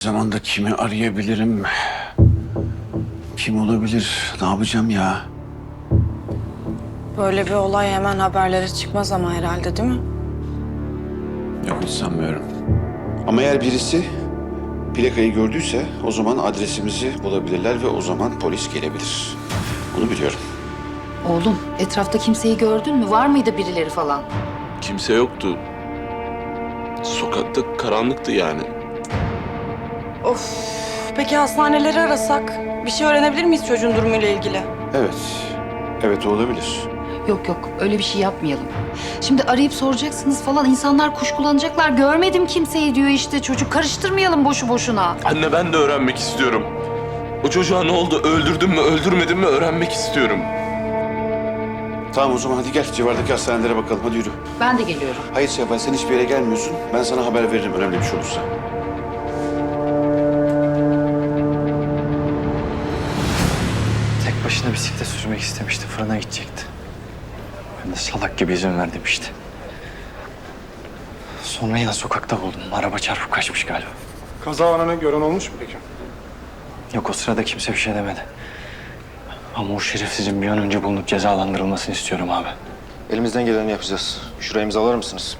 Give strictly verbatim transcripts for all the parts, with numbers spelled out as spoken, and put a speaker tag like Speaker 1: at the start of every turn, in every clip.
Speaker 1: Zamanda kimi arayabilirim? Kim olabilir? Ne yapacağım ya?
Speaker 2: Böyle bir olay hemen haberlere çıkmaz ama herhalde, değil mi?
Speaker 1: Yok, hiç sanmıyorum. Ama eğer birisi plakayı gördüyse o zaman adresimizi bulabilirler ve o zaman polis gelebilir. Bunu biliyorum.
Speaker 3: Oğlum, etrafta kimseyi gördün mü? Var mıydı birileri falan?
Speaker 4: Kimse yoktu. Sokakta karanlıktı yani.
Speaker 2: Of. Peki hastaneleri arasak? Bir şey öğrenebilir miyiz çocuğun durumuyla ilgili?
Speaker 1: Evet. Evet, olabilir.
Speaker 3: Yok yok, öyle bir şey yapmayalım. Şimdi arayıp soracaksınız falan, insanlar kuşkulanacaklar. Görmedim kimseyi diyor işte çocuk. Karıştırmayalım boşu boşuna.
Speaker 4: Anne, ben de öğrenmek istiyorum. O çocuğa ne oldu? Öldürdün mü, öldürmedin mi öğrenmek istiyorum.
Speaker 1: Tamam, o zaman hadi gel civardaki hastanelere bakalım. Hadi yürü.
Speaker 3: Ben de geliyorum.
Speaker 1: Hayır Seval, sen hiçbir yere gelmiyorsun. Ben sana haber veririm önemli bir şey olursa.
Speaker 5: Tek başına bisiklet sürmek istemişti. Fırına gidecekti. Ben de salak gibi izin verdim işte. Sonra yine sokakta buldum. Araba çarpıp kaçmış galiba.
Speaker 6: Kaza anını gören olmuş mu peki?
Speaker 5: Yok, o sırada kimse bir şey demedi. Ama o şerefsizin bir an önce bulunup cezalandırılmasını istiyorum abi.
Speaker 7: Elimizden geleni yapacağız. Şuraya imzalar mısınız?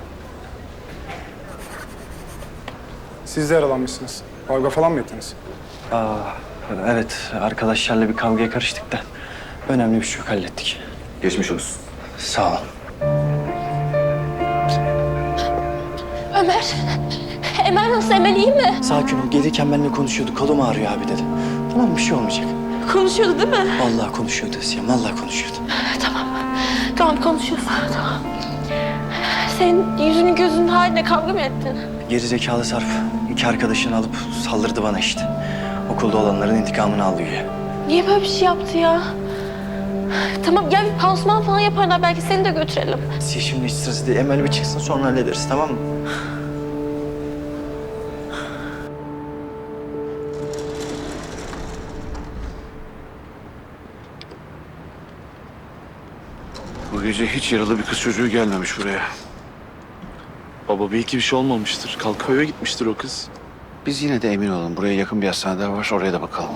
Speaker 6: Siz de yaralanmışsınız. Kavga falan mı ettiniz?
Speaker 5: Aa, evet, arkadaşlarla bir kavgaya karıştık da önemli bir şey yok, hallettik.
Speaker 7: Geçmiş olsun.
Speaker 5: Sağ olun.
Speaker 8: Ömer, Emel nasıl? Emel iyi mi?
Speaker 5: Sakin ol. Gelirken benimle konuşuyordu. Kolum ağrıyor abi dedi. Tamam, bir şey olmayacak.
Speaker 8: Konuşuyordu değil mi?
Speaker 5: Vallahi konuşuyordu Siyam. Vallahi konuşuyordu.
Speaker 8: Tamam, tamam konuşuyorsun. Tamam. Senin yüzünün gözünün haline kavga mı ettin?
Speaker 5: Geri zekalı Sarp iki arkadaşını alıp saldırdı bana işte. Okulda olanların intikamını aldı güya.
Speaker 8: Niye böyle bir şey yaptı ya? Tamam gel bir pansuman falan yaparlar, belki seni de götürelim.
Speaker 5: Siya şimdi hiç sırası değil. Emel bir çıksın, sonra hallederiz, tamam mı?
Speaker 1: Bu gece hiç yaralı bir kız çocuğu gelmemiş buraya.
Speaker 4: Baba, belki bir şey olmamıştır. Kalkıp eve gitmiştir o kız.
Speaker 1: Biz yine de emin olalım. Buraya yakın bir hastane daha var. Oraya da bakalım.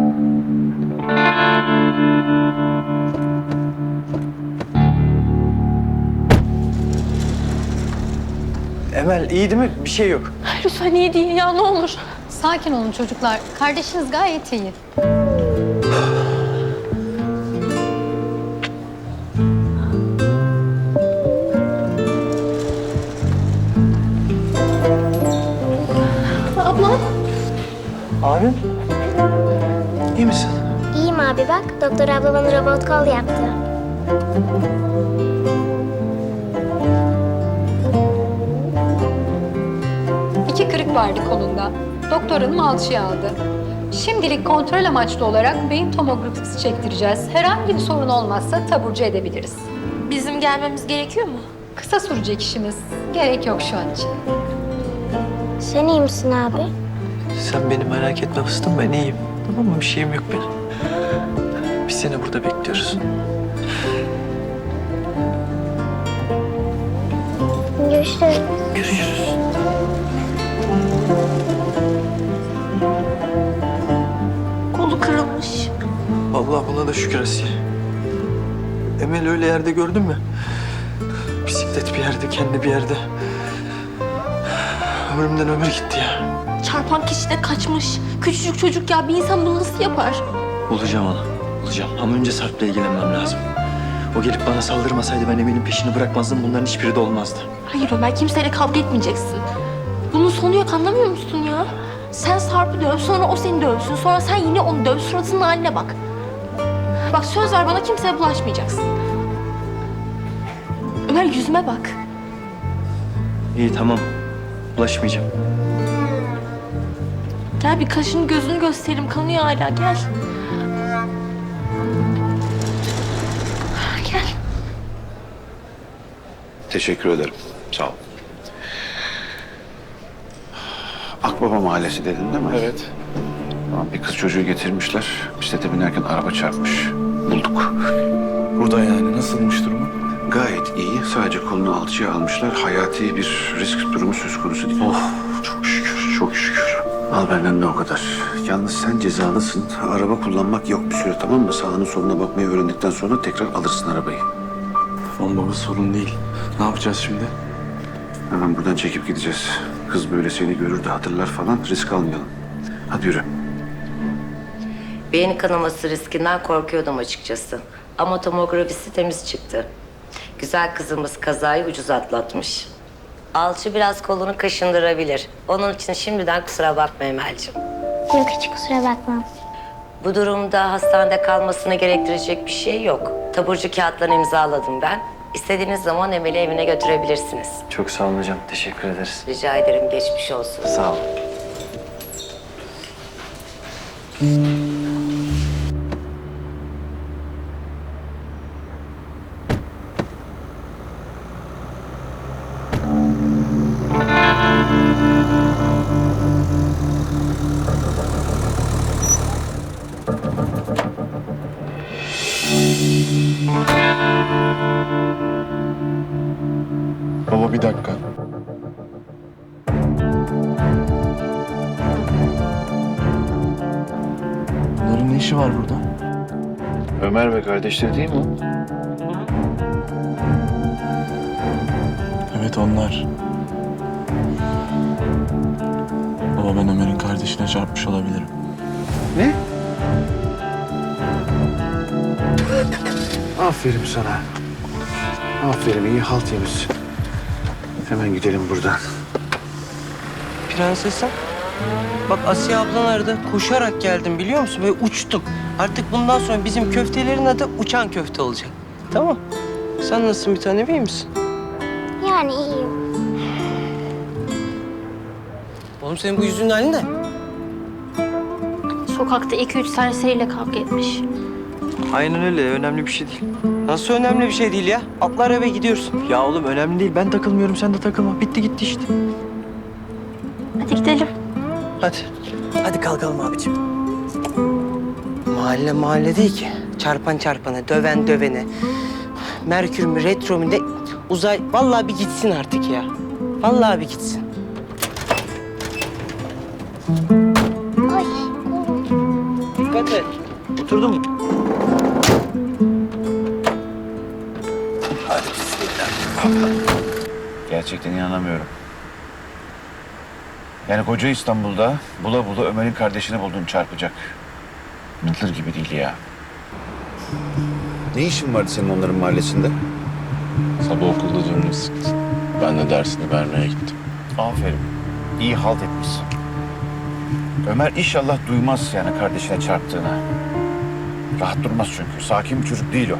Speaker 5: Emel iyi değil mi? Bir şey yok.
Speaker 8: Lütfen iyi değil ya, ne olur.
Speaker 9: Sakin olun çocuklar. Kardeşiniz gayet iyi.
Speaker 8: Ablam.
Speaker 5: Abim? İyi misin?
Speaker 10: İyiyim abi bak. Doktor abla bana robot kol yaptı.
Speaker 9: İki kırık vardı kolunda. Doktor hanım alçıya aldı. Şimdilik kontrol amaçlı olarak beyin tomografisi çektireceğiz. Herhangi bir sorun olmazsa taburcu edebiliriz.
Speaker 8: Bizim gelmemiz gerekiyor mu?
Speaker 9: Kısa sürecek işimiz. Gerek yok şu an için.
Speaker 10: Sen iyi misin abi?
Speaker 5: Sen beni merak etme fıstım, ben iyiyim. Tamam mı? Bir şeyim yok benim. Biz seni burada bekliyoruz.
Speaker 10: Görüşürüz.
Speaker 5: Görüşürüz.
Speaker 8: Kolu kırılmış.
Speaker 5: Vallahi buna da şükür Asiye. Emel öyle yerde gördün mü? Bisiklet bir yerde, kendi bir yerde. Ömrümden ömür gitti ya.
Speaker 8: Çarpan kişi de kaçmış. Küçücük çocuk ya, bir insan bunu nasıl yapar?
Speaker 5: Bulacağım onu, bulacağım. Ama önce Sarp'la ilgilenmem lazım. O gelip bana saldırmasaydı ben Emel'in peşini bırakmazdım. Bunların hiçbiri de olmazdı.
Speaker 8: Hayır Ömer, kimseyle kavga etmeyeceksin. Bunun sonu yok, anlamıyor musun ya? Sen Sarp'ı döv, sonra o seni dövsün, sonra sen yine onu döv, suratının haline bak. Bak söz ver bana, kimseye bulaşmayacaksın. Ömer yüzüme bak.
Speaker 5: İyi, tamam. Bulaşmayacağım.
Speaker 8: Gel bir kaşını gözünü göstereyim, kanıyor hala, gel. Gel.
Speaker 1: Teşekkür ederim. Sağ ol. Akbaba Mahallesi dedin değil mi?
Speaker 6: Evet.
Speaker 1: Tamam, bir kız çocuğu getirmişler. Bisiklete binerken araba çarpmış. Bulduk.
Speaker 4: Burada yani. Nasılmış durumu?
Speaker 1: Gayet iyi. Sadece kolunu alçıya almışlar. Hayati bir risk durumu söz konusu değil.
Speaker 5: Oh, çok şükür.
Speaker 1: Çok şükür. Al benden de o kadar. Yalnız sen cezalısın. Araba kullanmak yok bir süre, tamam mı? Sağına soluna bakmayı öğrendikten sonra tekrar alırsın arabayı.
Speaker 5: Tamam baba, sorun değil. Ne yapacağız şimdi?
Speaker 1: Hemen buradan çekip gideceğiz. Kız böyle seni görür de hatırlar falan, risk almayalım. Hadi yürü.
Speaker 11: Beyin kanaması riskinden korkuyordum açıkçası. Ama tomografisi temiz çıktı. Güzel kızımız kazayı ucuz atlatmış. Alçı biraz kolunu kaşındırabilir. Onun için şimdiden kusura bakma Emel'ciğim.
Speaker 10: Yok hiç kusura bakma.
Speaker 11: Bu durumda hastanede kalmasını gerektirecek bir şey yok. Taburcu kağıtlarını imzaladım ben. İstediğiniz zaman Emel'i evine götürebilirsiniz.
Speaker 5: Çok sağ olun hocam. Teşekkür ederiz.
Speaker 11: Rica ederim, geçmiş olsun.
Speaker 5: Sağ ol.
Speaker 4: Baba bir dakika. Bunların ne işi var burada?
Speaker 1: Ömer ve kardeşleri değil mi o?
Speaker 4: Evet onlar. Baba ben Ömer'in kardeşine çarpmış olabilirim.
Speaker 1: Ne? Aferin sana. Aferin, iyi halt yemişsin. Hemen gidelim buradan.
Speaker 12: Prensesim. Bak Asiye ablan aradı. Koşarak geldim biliyor musun? Böyle uçtum. Artık bundan sonra bizim köftelerin adı uçan köfte olacak. Tamam. Sen nasılsın bir tanem, iyi misin?
Speaker 10: Yani iyiyim.
Speaker 12: Oğlum senin bu yüzünün hali ne?
Speaker 8: Sokakta iki üç serseriyle kavga etmiş.
Speaker 5: Aynen öyle. Önemli bir şey değil.
Speaker 12: Nasıl önemli bir şey değil ya? Atla arabaya gidiyoruz.
Speaker 5: Ya oğlum önemli değil. Ben takılmıyorum. Sen de takılma. Bitti gitti işte.
Speaker 8: Hadi gidelim.
Speaker 12: Hadi. Hadi kalkalım abicim. Mahalle mahalle değil ki. Çarpan çarpana, döven dövene. Merkür mü, retro mu ne? Uzay... Vallahi bir gitsin artık ya. Vallahi bir gitsin.
Speaker 10: Ay kolum.
Speaker 12: Dikkat et. Oturdun mu?
Speaker 1: Gerçekten inanamıyorum. Yani koca İstanbul'da bula bula Ömer'in kardeşini buldun çarpacak. Mıntır gibi değil ya. Ne işin vardı senin onların mahallesinde?
Speaker 4: Sabah okulda canını sıktı. Ben de dersini vermeye gittim.
Speaker 1: Aferin. İyi halt etmişsin. Ömer inşallah duymaz yani kardeşine çarptığını. Rahat durmaz çünkü. Sakin bir çocuk değil o.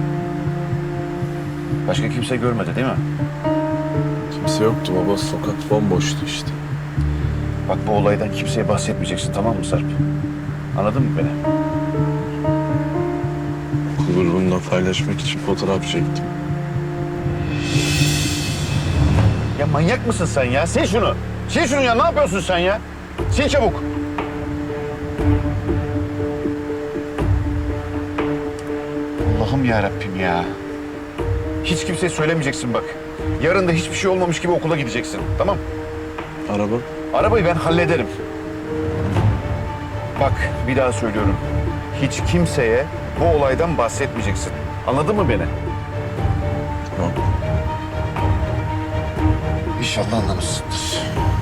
Speaker 1: Başka kimse görmedi değil mi?
Speaker 4: Kimse yoktu baba. Sokak bomboştu işte.
Speaker 1: Bak bu olaydan kimseye bahsetmeyeceksin, tamam mı Sarp? Anladın mı beni?
Speaker 4: Okul grubunda paylaşmak için fotoğraf çektim.
Speaker 1: Ya manyak mısın sen ya? Sil şunu. Sil şunu ya. Ne yapıyorsun sen ya? Sil çabuk. Allah'ım ya Rabbim ya. Hiç kimseye söylemeyeceksin bak. Yarın da hiçbir şey olmamış gibi okula gideceksin. Tamam?
Speaker 4: Araba?
Speaker 1: Arabayı ben hallederim. Bak bir daha söylüyorum. Hiç kimseye bu olaydan bahsetmeyeceksin. Anladın mı beni?
Speaker 4: Tamam.
Speaker 1: İnşallah anlamışsındır.